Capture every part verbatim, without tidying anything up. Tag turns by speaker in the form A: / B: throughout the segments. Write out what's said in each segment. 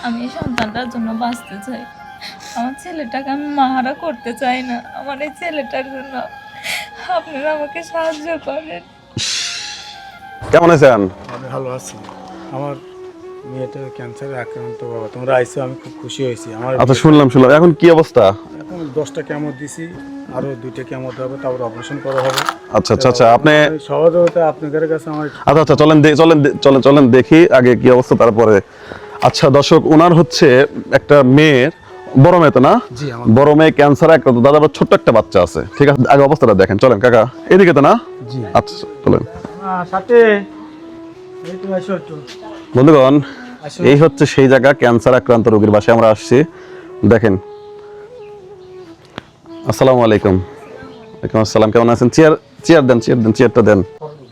A: আমি এই সন্তানটার জন্য বাঁচতে চাই। আমার ছেলেটাকে আমি মাহারা করতে চাই না। আমার এই ছেলেটার জন্য আপনারা আমাকে সাহায্য করেন।
B: কেমন আছেন?
C: আমি ভালো আছি। আমার মেয়েটা ক্যান্সারে আক্রান্ত বাবা, তোমরা আইসো, আমি খুব খুশি হয়েছি। আমার
B: আচ্ছা, শুনলাম শুনলাম এখন কি অবস্থা?
C: এখন দশটা কেমো দিছি, আরো দুইটা কেমো হবে, তারপর অপারেশন করা হবে।
B: আচ্ছা আচ্ছা আচ্ছা আপনি
C: সহযোগিতা আপনাদের কাছে আমার।
B: আচ্ছা আচ্ছা চলেন দে- চলেন দে- চলেন চলেন দেখি আগে কি অবস্থা তারপরে। আচ্ছা দর্শক, ওনার হচ্ছে একটা মেয়ের বড় মেয়ে তো না?
C: জি, আমার
B: বড় মেয়ে ক্যান্সারে আক্রান্ত, দাদা আবার ছোট্ট একটা বাচ্চা আছে। ঠিক আছে, আগে অবস্থাটা দেখেন। চলেন কাকা, এদিকে তো না?
C: জি।
B: আচ্ছা চলেন
C: সাথে এই তো আসো একটু।
B: বন্ধুগণ,
C: আসো।
B: এই হচ্ছে সেই জায়গা, ক্যান্সার আক্রান্ত রোগীর বাসায় আমরা আসছি। দেখেন। আসসালামু আলাইকুম। ওয়ালাইকুম আসসালাম, কেমন আছেন? চেয়ার চেয়ার দেন, চেয়ার দেন, চেয়ারটা দেন।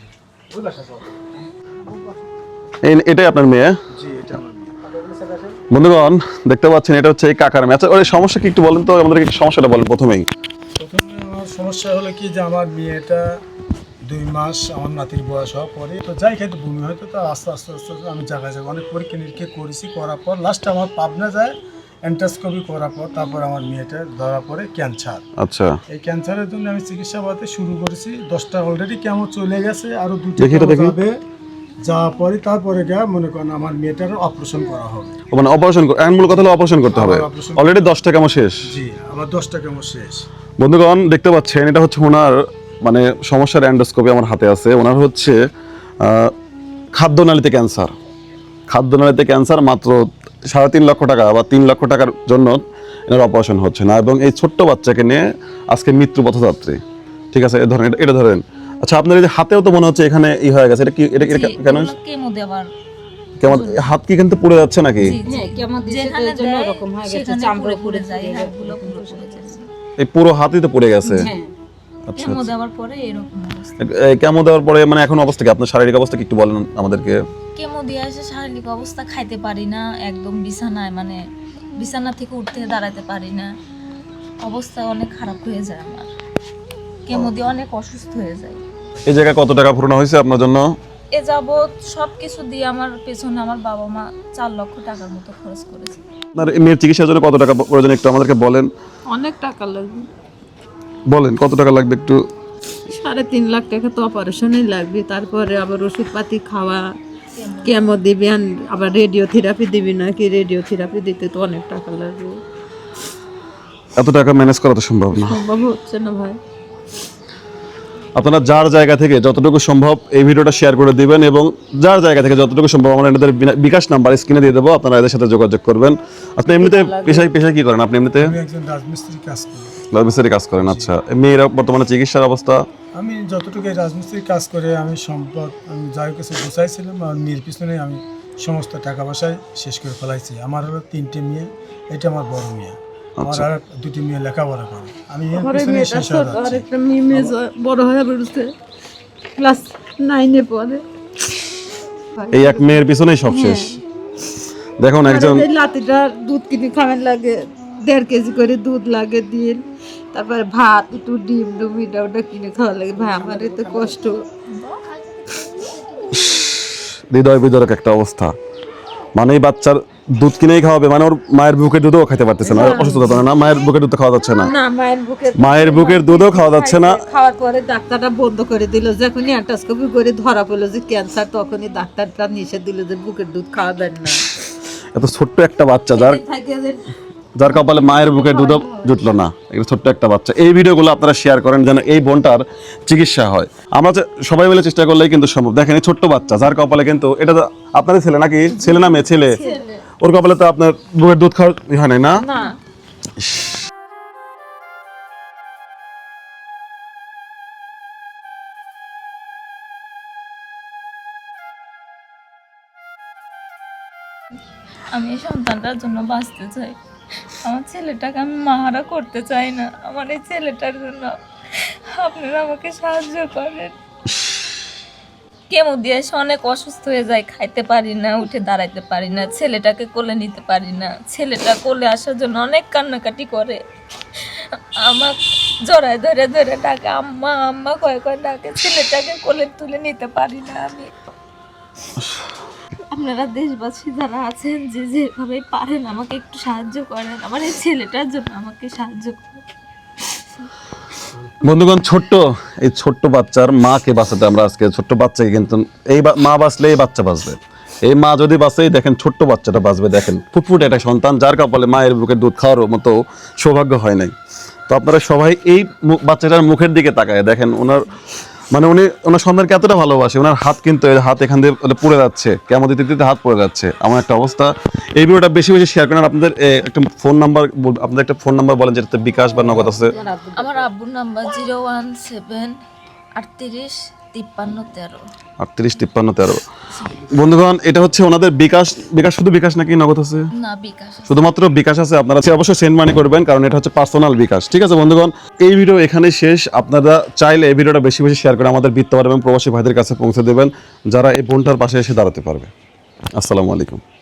B: এই এটাই আপনার মেয়ে?
C: জি, এটা আমার মেয়ে।
B: বন্ধুগণ দেখতে পাচ্ছেন, এটা হচ্ছে এই কাকার মেয়ে। আচ্ছা ওর সমস্যা কি একটু বলেন তো আমাদেরকে, একটু সমস্যাটা বলেন প্রথমেই।
C: প্রথমে আমার সমস্যা হলো কি যে আমার মেয়েটা দুই মাস আমার নাতির বয়স হওয়ার পরে তো যাই খাইতে বমি হয়তো, তো আস্তে আস্তে আস্তে আস্তে আমি জায়গায় জায়গায় অনেক পরীক্ষা নিরীক্ষা করেছি, করার পর লাস্টে আমার পাবনা যায় এন্টাস্কোপি করার পর তারপর আমার মেয়েটা ধরা পড়ে ক্যান্সার।
B: আচ্ছা
C: এই ক্যান্সারের জন্য আমি চিকিৎসা পাতে শুরু করেছি। দশটা অলরেডি কেমন চলে গেছে, আরও দুটো
B: দেখি এটা দেখি।
C: যাবে, যাওয়ার পরে তারপরে গা মনে করেন আমার মেয়েটার অপারেশন করা হবে।
B: ও মানে অপারেশন, এখন মূল কথা হলো অপারেশন করতে হবে।
C: আবার operation-
B: অলরেডি দশটা কেমন শেষ।
C: জি, আমার দশটা কেমন শেষ।
B: বন্ধুগণ দেখতে পাচ্ছেন, এটা হচ্ছে ওনার মানে সমস্যার এন্ডোস্কোপি আমার হাতে আছে। ওনার হচ্ছে আহ, খাদ্যনালীতে ক্যান্সার। খাদ্যনালীতে ক্যান্সার, মাত্র সাড়ে তিন লক্ষ টাকা বা তিন লক্ষ টাকার জন্য এনার অপারেশন হচ্ছে না, এবং এই ছোট্ট বাচ্চাকে নিয়ে আজকে মৃত্যু পথযাত্রী। ঠিক আছে, এ ধরেন, এটা- এটা ধরেন। আচ্ছা আপনার এই যে হাতেও তো মনে হচ্ছে এখানে ই হয়ে গেছে, এটা কি? এটা এটা কেন?
A: কেমো দেওয়ার
B: কেমন হাত কি কিন্তু পুড়ে যাচ্ছে নাকি?
D: হ্যাঁ, কেমন দিছে তো
A: যেখানে
D: এর জন্য
A: দেয়
D: এরকম হয়ে গেছে,
A: সেখানে
D: চামড়া
A: পুরো
D: পুড়ে
A: পুড়ে যায়,
D: যায়,
A: হাড়গুলো পুরো পুড়ে যাচ্ছে।
B: এই পুরো হাতই তো পুড়ে গেছে।
D: হ্যাঁ।
B: আচ্ছা
A: কেমো
B: আচ্ছা।
A: দেওয়ার পরে এরকম অবস্থা।
B: এই কেমো দেওয়ার পরে মানে এখন অবস্থা কি? আপনার শারীরিক অবস্থা কি একটু বলেন আমাদেরকে।
A: কেমো দিয়ে এসে শারীরিক অবস্থা, খাইতে পারি না, একদম বিছানায়, মানে বিছানা থেকে উঠতে দাঁড়াতে পারি না, অবস্থা অনেক খারাপ হয়ে যায় আমার। কেমো দিয়ে অনেক অসুস্থ হয়ে যায়।
B: এই জায়গায় কত টাকা পুরনো হয়েছে আপনার জন্য?
A: এ যাবৎ সব কিছু দিয়ে আমার পেছনে আমার বাবা মা চার লক্ষ টাকার মতো খরচ করেছে।
B: আপনার এই মেয়ের চিকিৎসার জন্য কত টাকা প্রয়োজন একটু আমাদেরকে বলেন।
D: অনেক টাকা লাগবে,
B: বলেন কত টাকা লাগবে একটু।
D: সাড়ে তিন লাখ টাকা তো অপারেশনেই লাগবে, তারপরে আবার ওষুধপাতি খাওয়া, কেমো দিবেন, আবার রেডিও থেরাপি দিবি নাকি, রেডিও থেরাপি দিতে তো অনেক টাকা লাগবে।
B: এত টাকা ম্যানেজ করা তো সম্ভব না।
D: সম্ভব হচ্ছে না ভাই।
B: আপনারা যার জায়গা থেকে যতটুকু সম্ভব এই ভিডিওটা শেয়ার করে দিবেন, এবং যার জায়গা থেকে যতটুকু সম্ভব আমরা এদের বিনা- বিকাশ নাম্বার স্ক্রিনে দিয়ে দেবো, আপনারা এদের সাথে যোগাযোগ করবেন। আপনি এমনিতে পেশায় পেশায় কি করেন আপনি এমনিতে?
C: আমি একজন রাজমিস্ত্রি কাজ করি।
B: রাজমিস্ত্রি কাজ করেন। আচ্ছা, এই মেয়েরা বর্তমানে চিকিৎসার অবস্থা?
C: আমি যতটুকু এই রাজমিস্ত্রি কাজ করে আমি সম্পদ আমি যার কাছে গুছাইছিলাম, আর মেয়ের পিছনে আমি সমস্ত টাকা পয়সায় শেষ করে ফেলাইছি। আমার হলো তিনটে মেয়ে, এটা আমার বড় মেয়ে। আমার আর দুটি মেয়ে লেখাপড়া করে, আমি এর
D: আমার
C: পিছনে
D: মেয়েটা
C: শেষ হয়ে
D: ছোট, আর
C: যাচ্ছি।
D: একটা মেয়ে মেয়ে বড় হয়ে বেরোচ্ছে, ক্লাস নাইনে পড়ে।
B: এই এক মেয়ের পিছনেই সব শেষ। দেখুন একজন
D: আর এই লাতিটা দুধ কিনে খাওয়ার লাগে, দেড় কেজি করে দুধ লাগে দিন, তারপরে ভাত, একটু ডিম ডুম এটা ওটা কিনে খাওয়া লাগে। ভাই আমার এতে কষ্ট।
B: হৃদয় বিদারক একটা অবস্থা। মানে এই বাচ্চার দুধ কিনেই খাওয়াবে, মানে ওর মায়ের বুকের দুধও খেতে পারতেছে না, অসুস্থতা না, মায়ের বুকের দুধ খাওয়া যাচ্ছে না,
D: না, মায়ের বুকের
B: মায়ের বুকের দুধও খাওয়া যাচ্ছে না।
D: খাওয়ার পরে ডাক্তারটা বন্ধ করে দিল। যখনই অ্যান্টাস্কোপি করে ধরা পড়লো যে ক্যান্সার, তখনই ডাক্তারটা নিষেধ দিল যে বুকের দুধ খাওয়াবেন না।
B: এত ছোট্ট একটা বাচ্চা, যার
D: থাকে যে
B: যার কপালে মায়ের বুকের দুধও জুটলো না, একটা ছোট্ট একটা বাচ্চা। এই ভিডিওগুলো আপনারা শেয়ার করেন যেন এই বোনটার চিকিৎসা হয়। আমরা যে সবাই মিলে চেষ্টা করলেই কিন্তু সম্ভব। দেখেন এই ছোট্ট বাচ্চা, যার কপালে কিন্তু, এটা তো আপনাদের ছেলে নাকি? ছেলে না মেয়ে? ছেলে। ওর কপালে তো আপনার বুকের দুধ খাওয়া হয় নাই না?
D: না,
A: আমি এই সন্তানটার জন্য বাঁচতে চাই। আমার ছেলেটাকে আমি মাহারা করতে চাই না। আমার এই ছেলেটার জন্য আপনারা আমাকে সাহায্য করেন। কেমো দিয়ে এসে অনেক অসুস্থ হয়ে যায়, খাইতে পারি না, উঠে দাঁড়াইতে পারি না, ছেলেটাকে কোলে নিতে পারি না। ছেলেটা কোলে আসার জন্য অনেক কান্নাকাটি করে, আমার জড়ায় ধরে ধরে ডাকে, আম্মা আম্মা কয়ে কয়ে ডাকে, ছেলেটাকে কোলে তুলে নিতে পারি না আমি। আপনারা দেশবাসী যারা আছেন যে যেভাবে পারেন আমাকে একটু সাহায্য করেন, আমার এই ছেলেটার জন্য আমাকে সাহায্য করেন।
B: বন্ধুগণ, ছোট্ট এই ছোট্ট বাচ্চার মাকে বাঁচাতে আমরা আজকে ছোট্ট বাচ্চাকে কিন্তু এই বা- মা বাঁচলে এই বাচ্চা বাঁচবে, এই মা যদি বাঁচে দেখেন ছোট্ট বাচ্চাটা বাঁচবে। দেখেন ফুটফুটে একটা সন্তান যার কপালে মায়ের বুকের দুধ খাওয়ার মতো সৌভাগ্য হয় নাই। তো আপনারা সবাই এই মু- বাচ্চাটার মুখের দিকে তাকায় দেখেন, ওনার মানে উনি ওনার সন্তানকে এতটা ভালোবাসে, ওনার হাত কিন্তু এই হাত এখান দিয়ে মানে পুড়ে যাচ্ছে, কেমন দিতে দিতে হাত পড়ে যাচ্ছে, এমন একটা অবস্থা। এই ভিডিওটা বেশি বেশি শেয়ার করেন। আপনাদের এ, একটা ফোন নাম্বার, আপনাদের একটা ফোন নাম্বার বলেন যেটাতে বিকাশ বা নগদ আছে।
A: আমার আব্বুর নাম্বার জিরো ওয়ান সেভেন আটত্রিশ তিপ্পান্ন তেরো
B: আটত্রিশ তিপ্পান্ন তেরো। বন্ধুগণ, এটা হচ্ছে ওনাদের বিকাশ। বিকাশ শুধু বিকাশ নাকি নগদ আছে?
A: না, বিকাশ আছে।
B: শুধুমাত্র বিকাশ আছে। আপনারা অবশ্যই সেন্ড মানি করবেন, কারণ এটা হচ্ছে পার্সোনাল বিকাশ। ঠিক আছে বন্ধুগণ, এই ভিডিও এখানে শেষ। আপনারা চাইলে এই ভিডিওটা বেশি বেশি শেয়ার করে আমাদের বিত্তবার এবং প্রবাসী ভাইদের কাছে পৌঁছে দেবেন, যারা এই বোনটার পাশে এসে দাঁড়াতে পারবে। আসসালামু আলাইকুম।